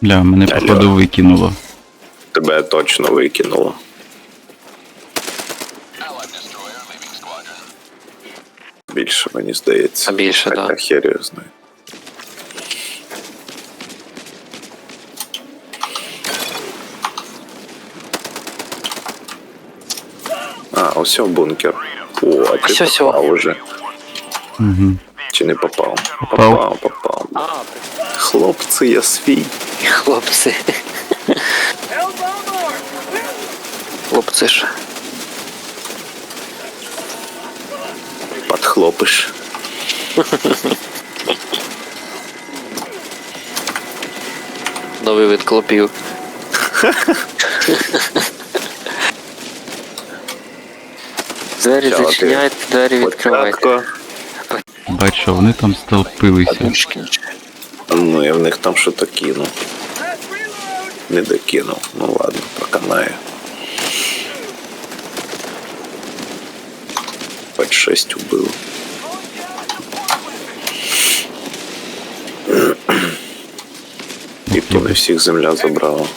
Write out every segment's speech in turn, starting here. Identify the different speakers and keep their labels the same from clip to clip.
Speaker 1: Бля, мене походу викинуло.
Speaker 2: Тебе точно викинуло. Більше, мені здається.
Speaker 3: А більше,
Speaker 2: Хоча
Speaker 3: да.
Speaker 2: хер його знає. А, ось бункер. О, а ти
Speaker 3: Ось-ось.
Speaker 2: попав уже.
Speaker 1: Угу.
Speaker 2: Чи не попав?
Speaker 1: Попав.
Speaker 2: Попав.
Speaker 3: А,
Speaker 2: Хлопці, я свій.
Speaker 3: хлопці. Хлопці ж.
Speaker 2: Подхлопиш.
Speaker 3: Новий вид клопів. Двері
Speaker 2: Чао, ти.
Speaker 3: зачиняйте, двері відкривайте.
Speaker 2: Початко.
Speaker 1: Бачу, вони там стовпилися.
Speaker 2: Ну, я в них там що-то кинув. Не докинув. Ну ладно, проканаю. Хоть 6 убило. І то не всіх земля забрала.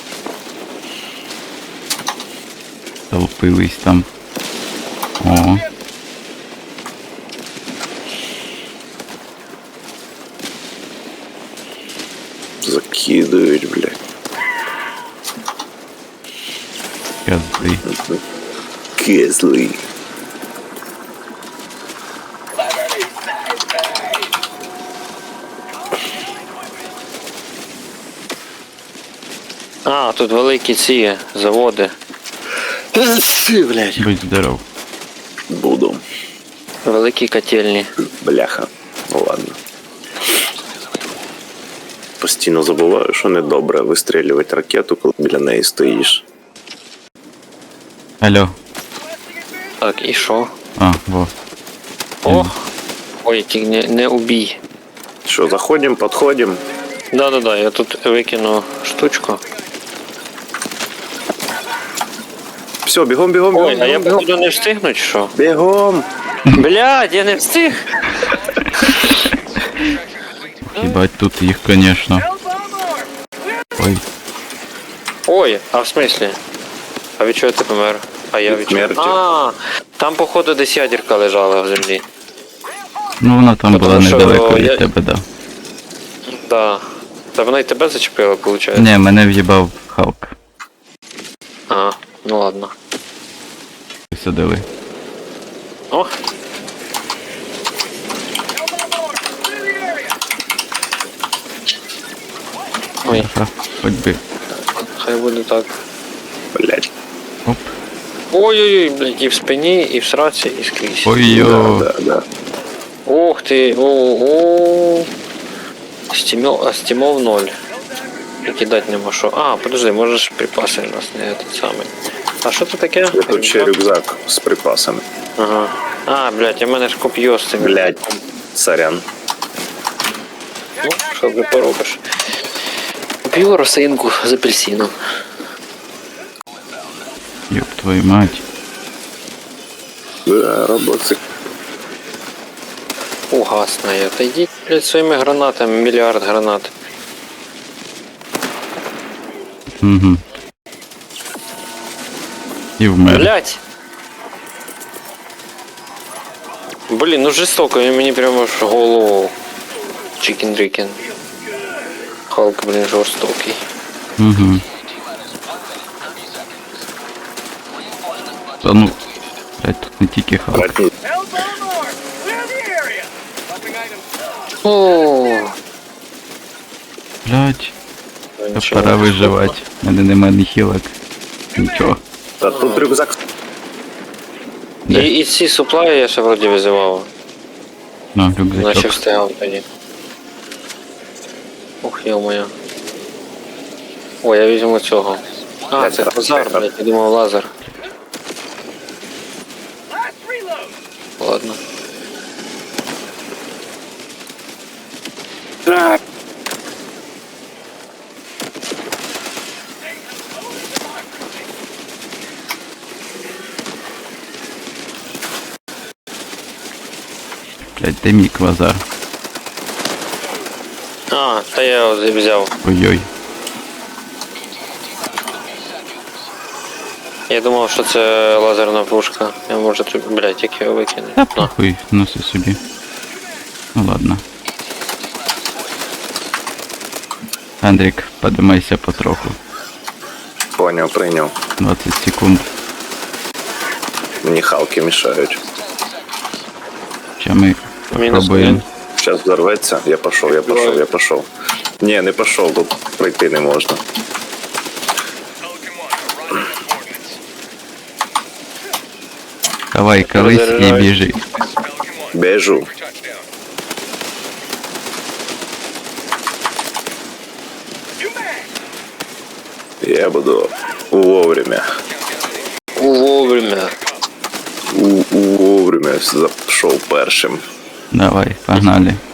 Speaker 1: Стовпились там. О,
Speaker 2: Закидують, блядь.
Speaker 1: козли.
Speaker 2: Кизли.
Speaker 3: А, тут великі ці заводи. Блядь.
Speaker 1: Будь здоров.
Speaker 2: Буду.
Speaker 3: Великі котельні.
Speaker 2: Бляха. Ну ладно. Постійно забуваю, що недобре вистрілювати ракету, коли біля неї стоїш.
Speaker 1: Алло.
Speaker 3: Так, і що?
Speaker 1: А, во.
Speaker 3: О! Ой, тільки не убій.
Speaker 2: Що, заходимо, підходимо?
Speaker 3: Да-да-да, я тут викину штучку.
Speaker 2: Все, бігом, бігом, бігом.
Speaker 3: Ой, а я
Speaker 2: бігом,
Speaker 3: походу не встигну чи що?
Speaker 2: бігом.
Speaker 3: Блядь, я не встиг!
Speaker 1: Їбать тут їх, конечно. Ой,
Speaker 3: Ой, а в смислі? А від чого ти помер? А я від чого?
Speaker 2: Смерті.
Speaker 3: А, там походу десь ядерка лежала в землі.
Speaker 1: ну вона там
Speaker 3: Потому
Speaker 1: була
Speaker 3: що
Speaker 1: недалеко від
Speaker 3: я-
Speaker 1: тебе, да.
Speaker 3: Да. Та вона й тебе зачепила, виходить?
Speaker 1: Не, мене в'їбав Халк.
Speaker 3: А, ну ладно.
Speaker 1: Висадили.
Speaker 3: О! Ой,
Speaker 1: Ага, хоч би.
Speaker 3: хай буде так.
Speaker 2: Блять.
Speaker 1: Оп.
Speaker 3: Ой-ой-ой, блядь, і в спині, і в сраці, і скрізь.
Speaker 1: Ой-йо.
Speaker 2: Да.
Speaker 3: Ух ти, о-о. Стімов 0. І кидати нема що. А, подожди, можеш припаси у нас не этот самий. А що це таке?
Speaker 2: Тут ще рюкзак з припасами.
Speaker 3: Ага. А, блядь, у мене ж коп'є з цим.
Speaker 2: Блять. Сорян.
Speaker 3: Ну, що вже поробиш. Коп'ю росинку з апельсином.
Speaker 1: Ёб твою мать.
Speaker 2: Да, роботик.
Speaker 3: Угасна я. Та йдіть, блядь, своїми гранатами, мільярд гранат.
Speaker 1: Угу. І вмер.
Speaker 3: Блядь! Блін, ну жорстоко, він мені прямо ж голову. Чикен-дрікен. Халк, блін, жорстокий.
Speaker 1: Угу. Та ну. Блять, тут не тільки Халк.
Speaker 2: Братні.
Speaker 3: О,
Speaker 1: Блять. Та пора виживати. У мене нема ні хілок. Нічого.
Speaker 2: Та тут рюкзак.
Speaker 3: І ці суплаї я ще вроді визивав.
Speaker 1: На,
Speaker 3: Наче
Speaker 1: рюкзачок.
Speaker 3: встигав тоді. Ох, йо-моє. О, я візьму цього. А, це лазар, блядь, я думав лазер. Ладно.
Speaker 1: Блять, де мій квазар?
Speaker 3: А, та я його взяв.
Speaker 1: Ой-ой.
Speaker 3: Я думав, що це лазерна пушка. Я можу тут, блядь, як його викинути.
Speaker 1: Та похуй, носи собі. Ну ладно. Андрік, подимайся потроху.
Speaker 2: Поняв, прийняв.
Speaker 1: 20 секунд.
Speaker 2: Мені халки мішають.
Speaker 1: Ще ми
Speaker 3: Мінус
Speaker 1: попробуємо.
Speaker 3: один.
Speaker 2: Зараз взорветься. Я пішов. Ні, не пішов, бо пройти не можна.
Speaker 1: Давай, колись і
Speaker 3: Розривай.
Speaker 1: біжи.
Speaker 2: Біжу. Я буду вовремя.
Speaker 3: Вовремя.
Speaker 2: Вовремя зайшов першим.
Speaker 1: Давай, погнали.